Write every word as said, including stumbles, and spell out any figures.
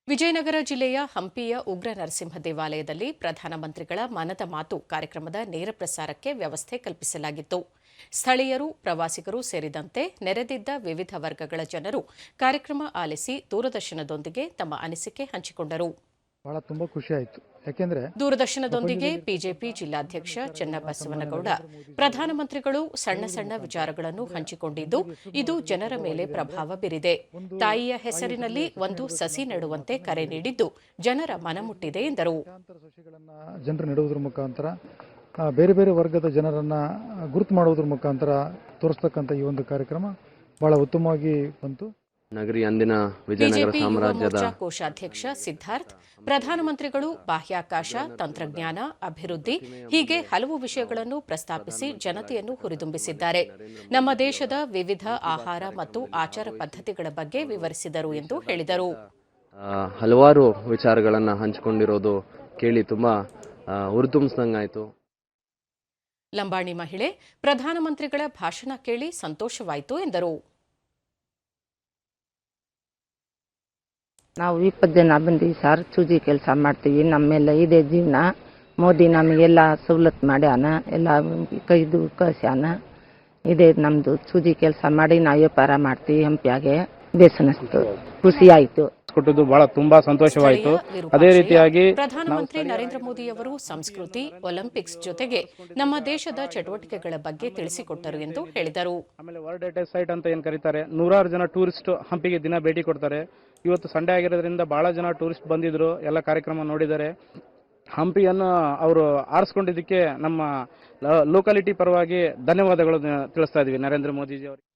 ವಿಜಯನಗರ ಜಿಲ್ಲೆಯ ಹಂಪಿಯ ಉಗ್ರ ನರಸಿಂಹ ದೇವಾಲಯದಲ್ಲಿ ಪ್ರಧಾನಮಂತ್ರಿಗಳ ಮನದ ಮಾತು ಕಾರ್ಯಕ್ರಮದ ನೇರ ಪ್ರಸಾರಕ್ಕೆ ವ್ಯವಸ್ಥೆ ಕಲ್ಪಿಸಲಾಗಿತ್ತು. ಸ್ಥಳೀಯರು, ಪ್ರವಾಸಿಗರು ಸೇರಿದಂತೆ ನೆರೆದಿದ್ದ ವಿವಿಧ ವರ್ಗಗಳ ಜನರು ಕಾರ್ಯಕ್ರಮ ಆಲಿಸಿ ದೂರದರ್ಶನದೊಂದಿಗೆ ತಮ್ಮ ಅನಿಸಿಕೆ ಹಂಚಿಕೊಂಡರು. ಬಹಳ ತುಂಬಾ ಖುಷಿ ಆಯಿತು. ಯಾಕೆಂದ್ರೆ ದೂರದರ್ಶನದೊಂದಿಗೆ ಬಿಜೆಪಿ ಜಿಲ್ಲಾಧ್ಯಕ್ಷ ಚನ್ನಬಸವನಗೌಡ ಪ್ರಧಾನಮಂತ್ರಿಗಳು ಸಣ್ಣ ಸಣ್ಣ ವಿಚಾರಗಳನ್ನು ಹಂಚಿಕೊಂಡಿದ್ದು, ಇದು ಜನರ ಮೇಲೆ ಪ್ರಭಾವ ಬೀರಿದೆ. ತಾಯಿಯ ಹೆಸರಿನಲ್ಲಿ ಒಂದು ಸಸಿ ನೆಡುವಂತೆ ಕರೆ ನೀಡಿದ್ದು ಜನರ ಮನಮುಟ್ಟಿದೆ ಎಂದರು. ಜನರು ನೆಡುವುದರ ಮುಖಾಂತರ ಬೇರೆ ಬೇರೆ ವರ್ಗದ ಜನರನ್ನ ಗುರುತು ಮಾಡುವುದರ ಮುಖಾಂತರ ತೋರಿಸ್ತಕ್ಕಂಥ ಈ ಒಂದು ಕಾರ್ಯಕ್ರಮ ಬಹಳ ಉತ್ತಮವಾಗಿ ಬಂತು. ನಗರಿ ಅಂದಿನ ವಿಜಯನಗರ ಸಾಮ್ರಾಜ್ಯದ ಕೋಶಾಧ್ಯಕ್ಷ ಸಿದ್ಧಾರ್ಥ್ ಪ್ರಧಾನಮಂತ್ರಿಗಳು ಬಾಹ್ಯಾಕಾಶ, ತಂತ್ರಜ್ಞಾನ, ಅಭಿವೃದ್ಧಿ ಹೀಗೆ ಹಲವು ವಿಷಯಗಳನ್ನು ಪ್ರಸ್ತಾಪಿಸಿ ಜನತೆಯನ್ನು ಹುರಿದುಂಬಿಸಿದ್ದಾರೆ. ನಮ್ಮ ದೇಶದ ವಿವಿಧ ಆಹಾರ ಮತ್ತು ಆಚಾರ ಪದ್ಧತಿಗಳ ಬಗ್ಗೆ ವಿವರಿಸಿದರು ಎಂದು ಹೇಳಿದರು. ಹಲವಾರು ವಿಚಾರಗಳನ್ನು ಹಂಚಿಕೊಂಡಿರೋದು ಕೇಳಿ ತುಂಬಾ ಹುರಿದುಂಬಿಸಿದಂಗಾಯಿತು. ಲಂಬಾಣಿ ಮಹಿಳೆ ಪ್ರಧಾನಮಂತ್ರಿಗಳ ಭಾಷಣ ಕೇಳಿ ಸಂತೋಷವಾಯಿತು ಎಂದರು. ನಾವು ಇಪ್ಪತ್ತು ಜನ ಬಂದೀವಿ ಸರ್. ಚೂಜಿ ಕೆಲಸ ಮಾಡ್ತೀವಿ. ನಮ್ಮೆಲ್ಲ ಇದೆ ಜೀವನ. ಮೋದಿ ನಮಗೆಲ್ಲ ಸವಲತ್ತು ಮಾಡ್ಯಾನ, ಎಲ್ಲ ಕೈದು ಕಳ್ಸ್ಯಾನ. ಇದೇ ನಮ್ಮದು ಚೂಜಿ ಕೆಲಸ ಮಾಡಿ ನಾವು ವ್ಯಾಪಾರ ಮಾಡ್ತೀವಿ. ಹಂಪಿಯಾಗೆ ಬೇಸನಿಸ್ತು, ಖುಷಿ ಆಯಿತು. ಕೊಟ್ಟದ್ದು ಬಹಳ ತುಂಬಾ ಸಂತೋಷವಾಯಿತು. ಅದೇ ರೀತಿಯಾಗಿ ಪ್ರಧಾನಮಂತ್ರಿ ನರೇಂದ್ರ ಮೋದಿ ಅವರು ಸಂಸ್ಕೃತಿ, ಒಲಿಂಪಿಕ್ಸ್ ಜೊತೆಗೆ ನಮ್ಮ ದೇಶದ ಚಟುವಟಿಕೆಗಳ ಬಗ್ಗೆ ತಿಳಿಸಿಕೊಟ್ಟರು ಎಂದು ಹೇಳಿದರು. ಆಮೇಲೆ ವರ್ಲ್ಡ್ ಹೆರಿಟೇಜ್ ಸೈಟ್ ಅಂತ ಏನ್ ಕರೀತಾರೆ, ನೂರಾರು ಜನ ಟೂರಿಸ್ಟ್ ಹಂಪಿಗೆ ದಿನ ಭೇಟಿ ಕೊಡ್ತಾರೆ. ಇವತ್ತು ಸಂಡೇ ಆಗಿರೋದ್ರಿಂದ ಬಹಳ ಜನ ಟೂರಿಸ್ಟ್ ಬಂದಿದ್ರು, ಎಲ್ಲ ಕಾರ್ಯಕ್ರಮ ನೋಡಿದ್ದಾರೆ. ಹಂಪಿಯನ್ನು ಅವರು ಆರಿಸ್ಕೊಂಡಿದ್ದಕ್ಕೆ ನಮ್ಮ ಲೋಕಾಲಿಟಿ ಪರವಾಗಿ ಧನ್ಯವಾದಗಳು ತಿಳಿಸ್ತಾ ಇದೀವಿ ನರೇಂದ್ರ ಮೋದಿಜಿ ಅವರು.